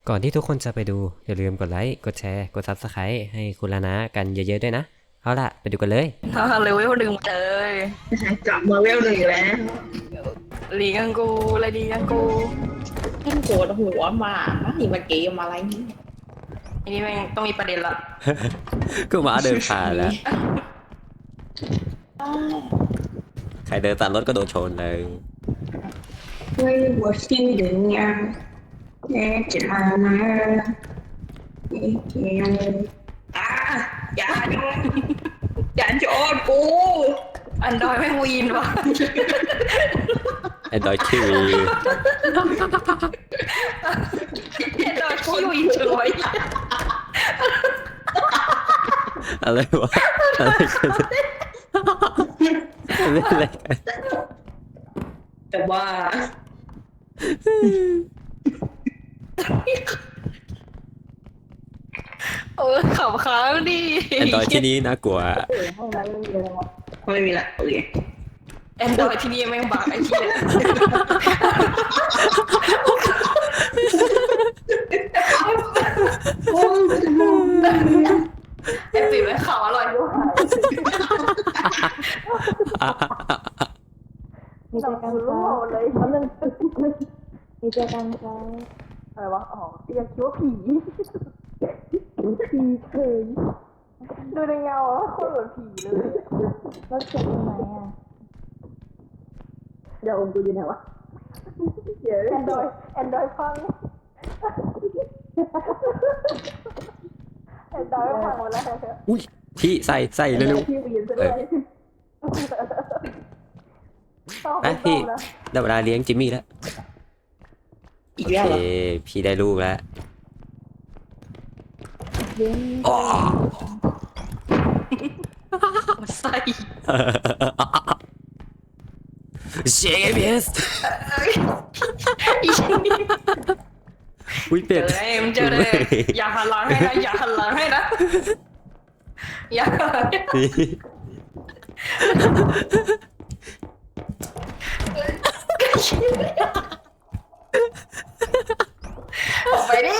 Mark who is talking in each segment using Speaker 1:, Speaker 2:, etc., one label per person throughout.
Speaker 1: ก่อนที่ทุกคนจะไปดูอย่าลืมกดไลค์กดแชร์กด Subscribe ให้คุณลานะกันเยอะๆด้วยนะเอาล่ะไปดูกันเลย
Speaker 2: เลเวลหนึ่งเลย
Speaker 3: กลับมาเวลหนึ่งแล้ว
Speaker 2: ลีกังกูอะไรดีกังกู
Speaker 3: ท่านโกรธหัวมานี่มันเกมอะไรนี่
Speaker 2: อันนี้แม่งต้องมีประเด็นละ
Speaker 1: ก็หมาเดินผ่านแล้วใครเดินตัดรถก็โดนชนเลย
Speaker 3: ไม่หัวซีดึงยังแน่จะมาอ่ะอย่าโดนอย่าโจนกู
Speaker 2: อันดอยแม่งวีนวะ
Speaker 1: ไอ้ดอยคิวี
Speaker 2: อันดอยขี้วีนจังเลย
Speaker 1: อะไรวะอะไรกันเล่นอะไรกัน
Speaker 3: แต่ว่า
Speaker 2: ขับค้างดิ
Speaker 1: ไอ้ดอยที่นี้น่ากลัว
Speaker 3: ห้องนั้นไม่มีละโอเค
Speaker 2: แอนดอยที่นี่แม่งบักไอ้เหี้ยไอ้ปีแม่งข่าวอร่อยด้วย
Speaker 4: มีใจกันครับเลยเพราะนึงมีใจกันครับ
Speaker 2: อะไรวะอ๋อยังคิดว่าผี
Speaker 4: ผีเคย
Speaker 2: ดูในเงาอะโคตรเหมือนผีเลย
Speaker 4: รถเข็นยังไงอ่ะ
Speaker 3: เดี๋ยวกูอยู่ไหนวะ
Speaker 2: แอนดอยฟังแอนดอยฟังหมดแล้ว
Speaker 1: อุ้ยพี่ใส่เร็ว
Speaker 2: พี่วีนซะ
Speaker 1: ๆ
Speaker 2: ด้วย
Speaker 1: ไปพี่ได้เวลาเลี้ยงจิมมี่แล้ว
Speaker 3: อีก
Speaker 1: โอ
Speaker 3: แล้ว
Speaker 1: เค
Speaker 3: เหรอ
Speaker 1: พี่ได้ลูกแล้ว
Speaker 4: เลี้ยง
Speaker 1: อ๋อ
Speaker 2: ใส่
Speaker 1: เชฟเบสอุ้ย
Speaker 2: เจ
Speaker 1: เป็ด
Speaker 2: อเลยเจอเลยอย่าหันหลังให้นะอย่าหันหลังให้นะอย่า
Speaker 1: นี่
Speaker 2: ออกไปดิ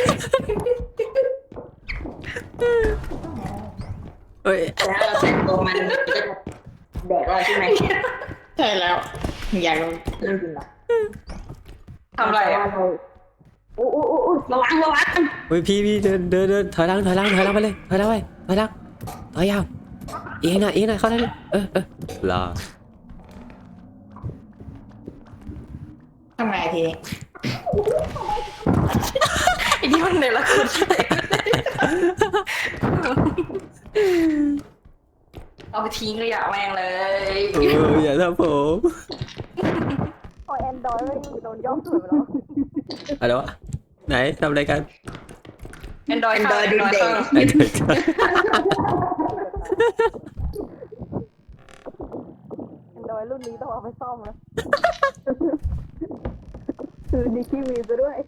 Speaker 1: เอ้ย
Speaker 3: แล้วเราแต่งตัวมันจะแดกเราใช่ไหมใช่แล้วอยากเรื่องจริงเหรอ
Speaker 2: ทำไรอ่ะ
Speaker 3: อู้ระวัง
Speaker 1: เฮ้ยพี่เดินถอยหลังไปเลยถอยหลังถอยยาวเองนะเข้าได้เลยรอ
Speaker 3: ทำไงที
Speaker 2: ไอ้นี่มันเนรคุณเอาไปทิ้งขยะแม่งเลย
Speaker 1: อย่าทำผม
Speaker 4: พอแอนดรอยไม่โดนย่อมสวยไปแล้ว
Speaker 1: อะไรวะไหนทำอะไรกัน
Speaker 2: แอนดอยข้างแอนดอยข้าง
Speaker 1: ไอ้เด็ก
Speaker 4: แอนดรอยรุ่นนี้ต้องเอาไปซ่อมแล้วคือดีขี้วีซะด้วย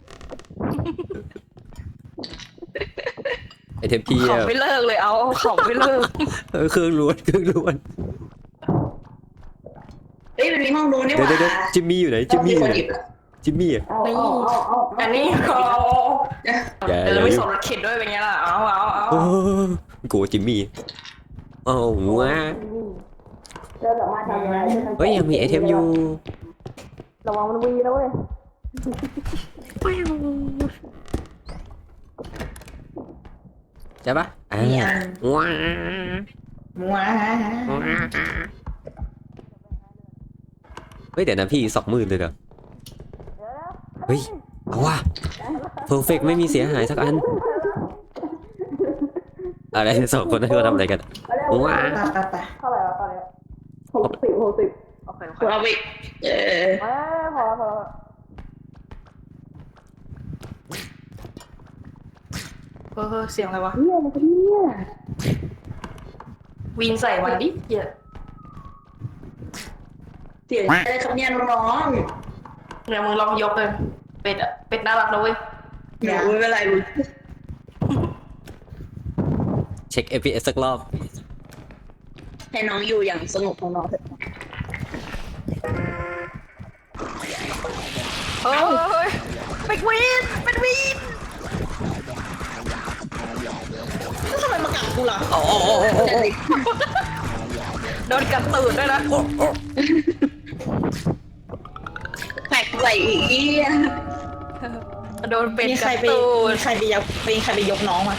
Speaker 1: ไอ้เทปพี่
Speaker 2: ขำไม่เลิกเลยเอาขำไม่เลิก
Speaker 1: เครื่องล้วน
Speaker 3: เฮ้ยมันมีห้องดูนี่ห
Speaker 1: เดี๋ยว
Speaker 3: ว่า
Speaker 1: จิมมี่อยู่ไหนจิมมี่อ่ะ
Speaker 2: นี่อันนี้เขา
Speaker 1: อย่า
Speaker 2: เดินไม่สนรถเข็นด้วยเป็นไงล่ะเอา
Speaker 1: โอ้กูจิมมี่โอ้ว้า
Speaker 4: เราสามารถทำอะไรได้ทั้ง
Speaker 1: เฮ้ยยังมีไอเทมอยู่
Speaker 4: ระวังมันวีนะเว้ย
Speaker 1: ใช่ปะว้า
Speaker 3: ว้า
Speaker 1: เฮ้ยเดี๋ยวนะพี่20,000เลยเหรอเฮ้ยเอาว่ะเพอร์เฟกไม่มีเสียหายสักอันอะไรสองคนนั้นเขาทำอะไรกันว้า
Speaker 3: ไป
Speaker 4: เท่าไหร่วะตอนนี้60
Speaker 2: โอเค
Speaker 3: เราไป
Speaker 4: พอแล้ว
Speaker 2: เสียงอะไรวะ
Speaker 4: เนี่ยมันก็เนี่ย
Speaker 2: วีนใส่มันดิเหี้ย
Speaker 3: เสียงอะไรครับเนี่ยน้อง
Speaker 2: เนี่ยมึงลองยกเลยเป็ดอะเป็ดน่ารักนะเว้ย
Speaker 3: ๆอย่าไม่เป็นไร
Speaker 1: เช็ค FPS สักรอบ
Speaker 3: ให้น้องอยู่อย่างสงบของน้องเถอะ
Speaker 2: เฮ้ยเป็นวีน
Speaker 3: กูเหรอ
Speaker 1: โอ้โห
Speaker 2: โดนกัดตูดด้วยนะ
Speaker 3: แปลกไหวอีก
Speaker 2: โดนเป็ด
Speaker 3: มีใคร
Speaker 2: กัด
Speaker 3: ไป
Speaker 2: ตูด
Speaker 3: มีใครไปยกน้องมา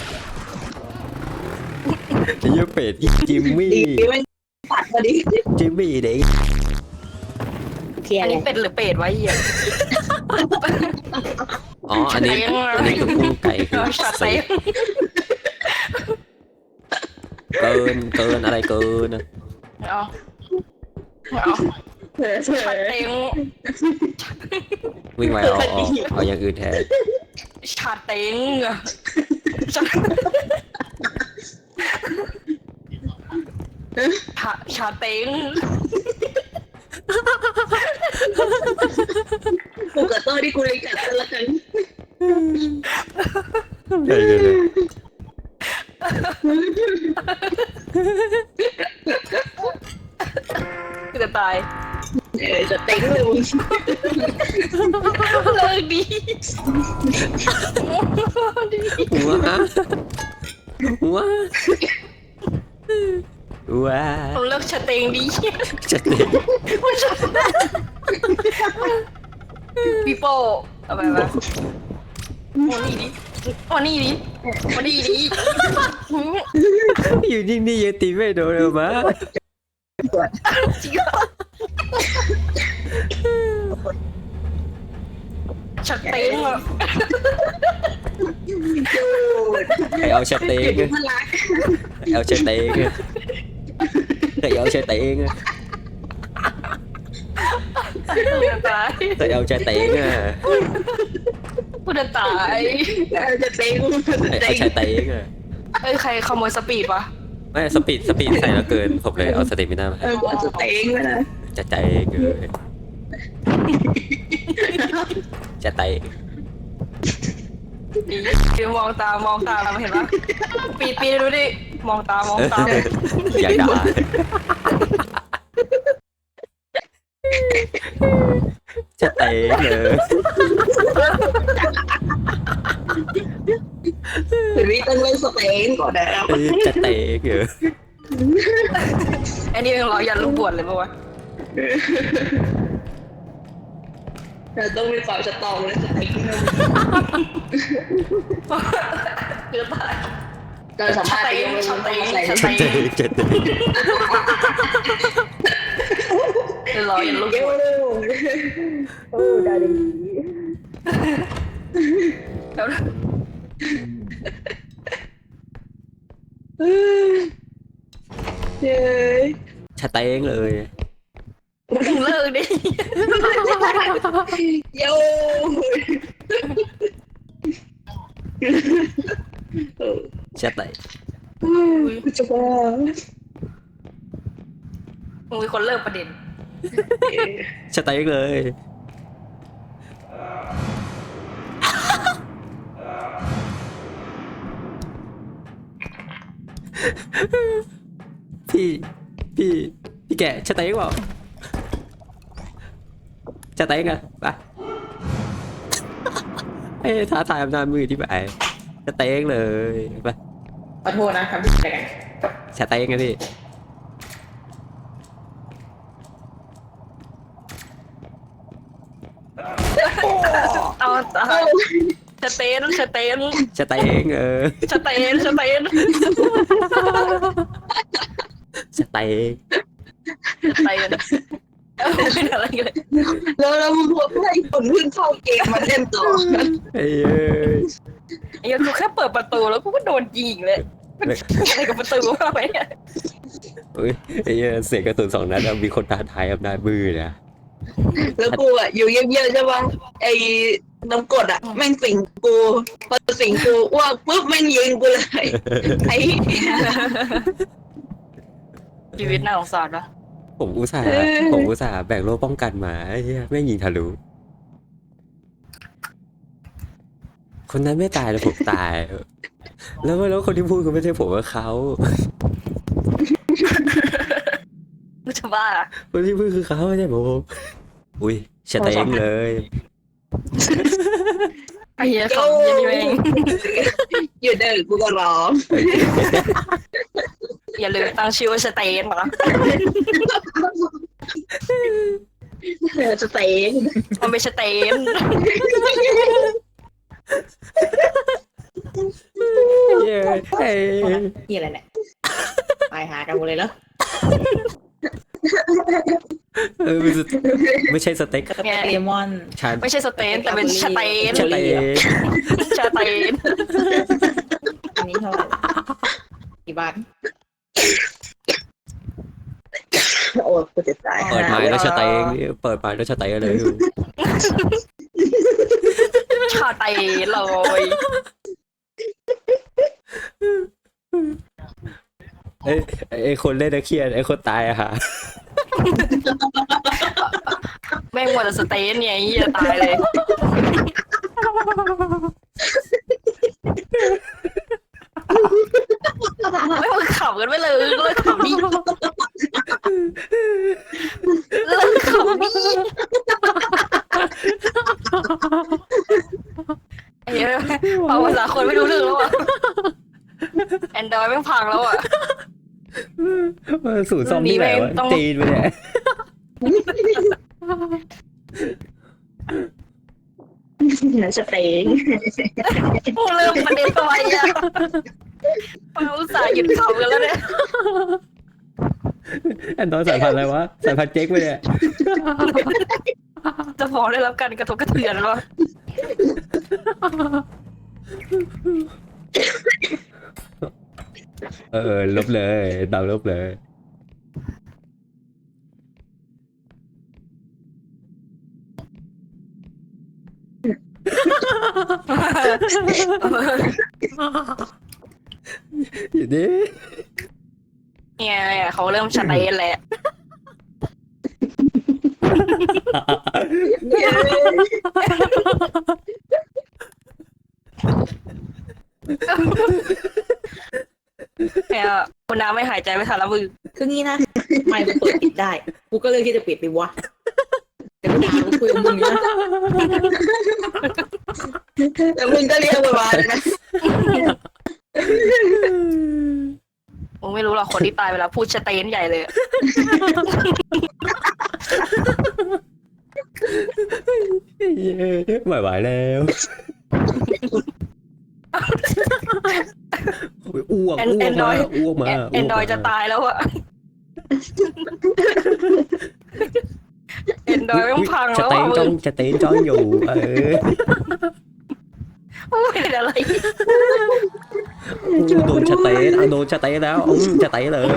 Speaker 1: ไอ้เหี้ยเป็ดจิมมี่
Speaker 3: ดีไม่ปัดพอดี
Speaker 1: จิมมี่เด็ก
Speaker 3: เคลีย
Speaker 2: อั
Speaker 3: ร์
Speaker 2: น
Speaker 3: เล
Speaker 2: นี้
Speaker 3: ย
Speaker 2: เป็ดหรือเป็ดวะเหี้ย
Speaker 1: อ๋ออันนี้คือกุ้งไก่คือ
Speaker 2: ชา
Speaker 1: ใส่
Speaker 2: เต็ง
Speaker 1: เกินอะไรเกินอะ
Speaker 2: เอาชาเต็ง
Speaker 1: วิ่งไวเอาอย่างอื่นแทน
Speaker 2: ชาเต็งชาเต็ง
Speaker 3: กูกับโต้ที่กูเลยกัดกันละกัน
Speaker 1: ใช่เลย
Speaker 2: คือจะตาย
Speaker 3: จะเต็งเลยมึง
Speaker 2: เลิกดี
Speaker 1: หัวว้า
Speaker 2: ผมเลิกชาเต็งดี
Speaker 1: จะเด็ก
Speaker 2: พี่โป้เอาไปมาวันนี้ดิวันนี้ดิวันนี้ดิ
Speaker 1: อยู่นิ่งๆยังตีไม่โดนเลยมา
Speaker 2: จริงเหรอชาเต็งอ่ะ
Speaker 3: จูด
Speaker 1: ใครเอาชาเต็ง
Speaker 3: อยู่ที่มันรัก
Speaker 1: ใครเอาชาเต็งใครเอาชาเต็ง
Speaker 2: กูจะตาย
Speaker 1: ใครเอาชาเต็งอ่ะ
Speaker 2: กูจะตาย
Speaker 3: จะเต็ง
Speaker 1: ใครเอาชาเต็งอ่ะ
Speaker 2: เอ้ยใครขโมยสปีดวะ
Speaker 1: ไม่สปีดใส่แล้วเกินผมเลยเอาสเตมิน่ามา
Speaker 3: กูจะเต็งเลยนะ
Speaker 1: จะใจเกินจะไต
Speaker 2: ดีมองตามองตาเห็นปะปีดูดิมองตามองตา
Speaker 1: อยากด่าจะเตะเลย
Speaker 3: คือวิต้องเล่นสเต็งก่อนแล้ว
Speaker 1: จะเตะเกิน
Speaker 2: ไอ้นี่ยังรอยันลูกบวชเลยปะวะ
Speaker 3: เราต้องมีความสตรองเลยสเต็ง
Speaker 2: คือตาย
Speaker 3: เราสามารถยังไม่ต้องใส่
Speaker 1: จะเตะจะเตะ
Speaker 2: รอยันลูก
Speaker 3: เย้
Speaker 2: บวช
Speaker 3: โอ้ได้ดี
Speaker 2: แล้ว
Speaker 3: เย้
Speaker 1: จะเตะเลย
Speaker 2: มึงเลิกดิ
Speaker 3: โย่
Speaker 1: จะเตะ
Speaker 3: จะบ้า
Speaker 2: มึงมีคนเลิกประเด็น
Speaker 1: จะเตะเลยพี่แกจะเตะเปล่าจะเตะไงไปเอ้ท้าทายอำนาจมือที่ไปจะเตะเลยไป
Speaker 3: ขอโทษนะครับพี่แก
Speaker 1: จะเตะไงพี่
Speaker 2: เอาตายสเตน
Speaker 1: จะเตะง
Speaker 2: สเตน
Speaker 1: จะเตะง
Speaker 2: สเตนเป็นอะไรกัน
Speaker 3: แล้วมึงพูดให้คนเพิ่งเข้าเกมมาเล่นต่อ
Speaker 1: ไอ้เอ้ย
Speaker 2: ไอ้กูแค่เปิดประตูแล้วกูก็โดนยิงเลยอะไรกับประตูวะเนี่ย
Speaker 1: เฮ้ยไอ้เหี้ยเสียงกระสุน2 นัดมีคนท้าทายอำนาจมือนะ
Speaker 3: แล้วกูอ่ะอยู่เงียบๆใช่ป่ะไอ้น้ำกดอ่ะแม่งสิงกูพอสิงกูอ้วกปุ๊บแม่งยิงกูเลยไอ้
Speaker 2: ชีวิตน่าสงสารปะ
Speaker 1: ผมอุตส่าห์แบ่งโล่ป้องกันมาไอ้เหี้ยแม่งยิงทะลุคนนั้นไม่ตายแต่ผมตายแล้วคนที่พูดก็ไม่ใช่ผมว่าเขา
Speaker 2: กูจะบ้า
Speaker 1: คนที่พูดคือเขาไม่ใช่ผมอุ้ยชะเตงเลย
Speaker 2: ไอ้เหี้ยคำยันนี่เอง
Speaker 3: อยู่เดินกูก็ร้อง
Speaker 2: อย่าลืมตั้งชื่อว่าสเตนนะ
Speaker 3: จะเตะ
Speaker 2: มันเป็นสเตน
Speaker 1: เย้เอ้ย
Speaker 4: นี่อะไรเนี่ยไปหากันหมดเลยเนาะ
Speaker 1: ไม่ใช่สเต็ก
Speaker 4: เลมอน
Speaker 1: ชา
Speaker 2: ไม่ใช่สเตนแต่เป็นสเตน
Speaker 1: ชาเต
Speaker 2: ชาเตน
Speaker 4: อันนี้เท่าไหร่กี่บาท
Speaker 3: โอ้กูจะตาย
Speaker 1: เปิดไม้แล้วชาเตงเปิดไม้แล้วชาเตงเลยอยู่
Speaker 2: ชาเตนเลย
Speaker 1: ไอ้คนเล่นเครียดไอ้คนตายอะค่ะ
Speaker 2: แม่งหมดแต่สเตนเนี่ยไอ้เหี้ยตายเลยไม่มึงขำกันไปเลยเลิกขำดิเลิกขำดิไอ้เหี้ยพอภาษาคนไม่รู้เรื่องแล้วอ่ะแอนดรอยแม่งพังแล้วอ่ะ
Speaker 1: สูตรซ่อมที่ไหนวะ
Speaker 2: ต้อง
Speaker 1: จีนไปเนี่ย
Speaker 3: จะเตะ
Speaker 2: พูดเริ่มประเด็นทำไมอ่ะเราอุตส่าห์หยุดขำกันแล้วเนี่ย
Speaker 1: อันตอนสายพันธุ์อะไรวะสายพันธุ์เจ๊กไปเนี่ย
Speaker 2: จะฟ้องได้รับการกระทบกระเทือนวะ
Speaker 1: ลบเลยดาวลบเลย อยู่ดิ
Speaker 2: เนี่ยเขาเริ่มชัดเจนแหละเนี่ยคุณน้ำไม่หายใจไม่ทันแล้วมึง
Speaker 4: คืองี้นะไม่มันเปิดปิดได้กูก็เลยที่จะปิดไปวะแต่กูถามกูคุยกับมึงนะ
Speaker 3: แต่มึงก็เรียกมาเลยนะ
Speaker 2: มึงไม่รู้หรอกคนที่ตายไปแล้วพูดชัดเจนใหญ่เลย
Speaker 1: ไม่ไหวแล้วอ้วก
Speaker 2: แอนดรอย
Speaker 1: อ้วกมา
Speaker 2: แอนดรอยจะตายแล้วอะแอนดรอยต้องพัง
Speaker 1: จะ
Speaker 2: แล้ว
Speaker 1: เต้
Speaker 2: อะ
Speaker 1: น
Speaker 2: มึ
Speaker 1: จ้อง
Speaker 2: ง
Speaker 1: จะเต้นจ้องอยู่
Speaker 2: เป็นอะไร
Speaker 1: โดนจะเต้นโดนจะเต้นแล้วจะเต้นเลย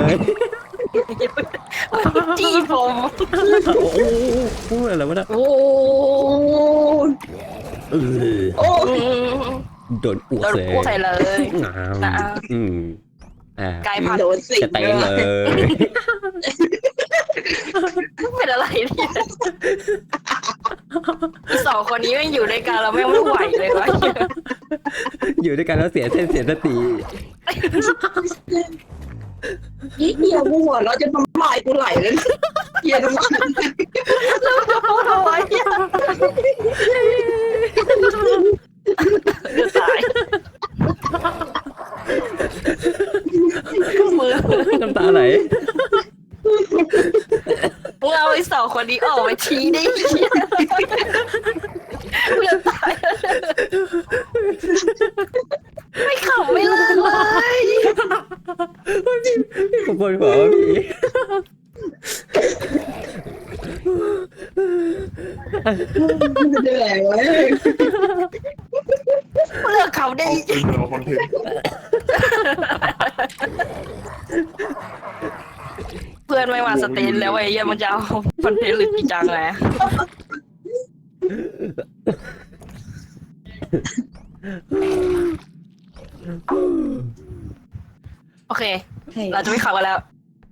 Speaker 2: จี้ผม
Speaker 1: โอ้อะไรวะนะ
Speaker 2: โอ้
Speaker 3: โอ้
Speaker 1: โดนอ้วก
Speaker 2: โดน
Speaker 1: เลย
Speaker 2: พูดใส่เลย
Speaker 1: งาม
Speaker 2: กลายพัน
Speaker 3: โด
Speaker 2: ธุ์
Speaker 3: นสิง
Speaker 1: จะเต้นเลย
Speaker 2: เป็นอะไรเนี่ยสองคนนี้ไม่อยู่ด้วยกันเราไม่ไหวเลยวะ
Speaker 1: อยู่ด้วยกันแล้วเสียเส้นเสียสติ
Speaker 3: ยี่เหี้ยกูหัวเราจะทำลายกูไหลเลยเหี้ยทำไม
Speaker 2: ทำไมจะตายมือ
Speaker 1: น้ำตาไหล
Speaker 2: มึงเอาไอ้สองคนนี้ออกไปทีได้เพื่อนตายไม่ขำไม่เลิกเลย
Speaker 1: ผมปวดหัวว่ะพี่
Speaker 3: เหนื่อยเว้ย
Speaker 2: เลิกขำได้
Speaker 5: เอาคอนเทนต์
Speaker 2: เพื่อนไม่มาสเตนแล้วไอ้เหี้ยมันจะเอาคอนเทนต์หรือจริงจังแหละโอเค เราจะไม่ขับกันแล้ว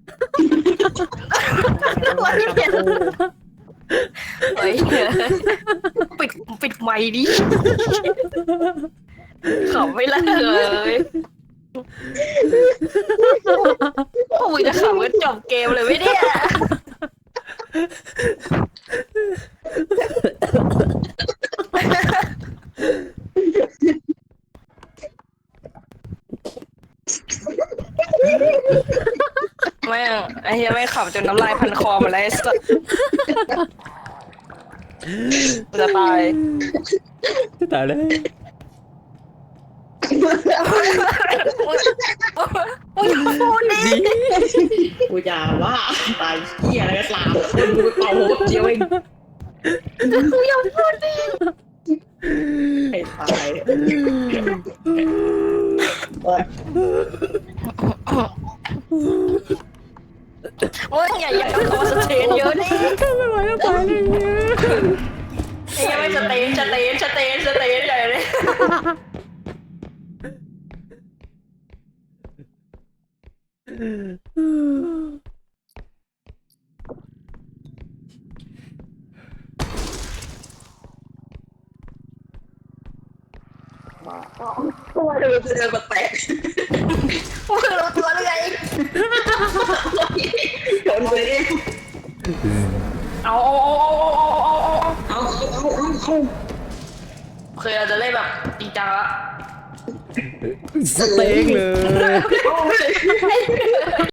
Speaker 2: เฮ้ยปิดไมค์ดิขับไม่เลิกเลยพวกมึงจะขับกันจบเกมเลยไหมเนี่ยม่งไอ้เหี้ยแม่งขับจนน้ำลายพันคอหมาแล้วไอ้สัสกูจะตาย
Speaker 1: จะตายเลย
Speaker 2: มึงอย่าพูดดิ
Speaker 4: กูจะว่าตายเหี้ยอะไรก็ตามคนกูเป่าหัวเจียวเอง
Speaker 2: มึงอย่าพูดดิ
Speaker 4: ให้ตาย
Speaker 2: มึงอย่าคอสเตนเยอะดิ
Speaker 1: ไม่ไหวแล้วตายเลย
Speaker 2: ไอ้เหี้ยไม่สเตนใหญ่เลย
Speaker 3: ตัวเดินเดินแปลก
Speaker 2: มึงรู้ตัวหรือไง
Speaker 3: ๆโดนไปเอง
Speaker 2: เอา
Speaker 3: เอา
Speaker 2: เคยเราจะเล่นแบบจริงจังละ
Speaker 1: สเต็กเลย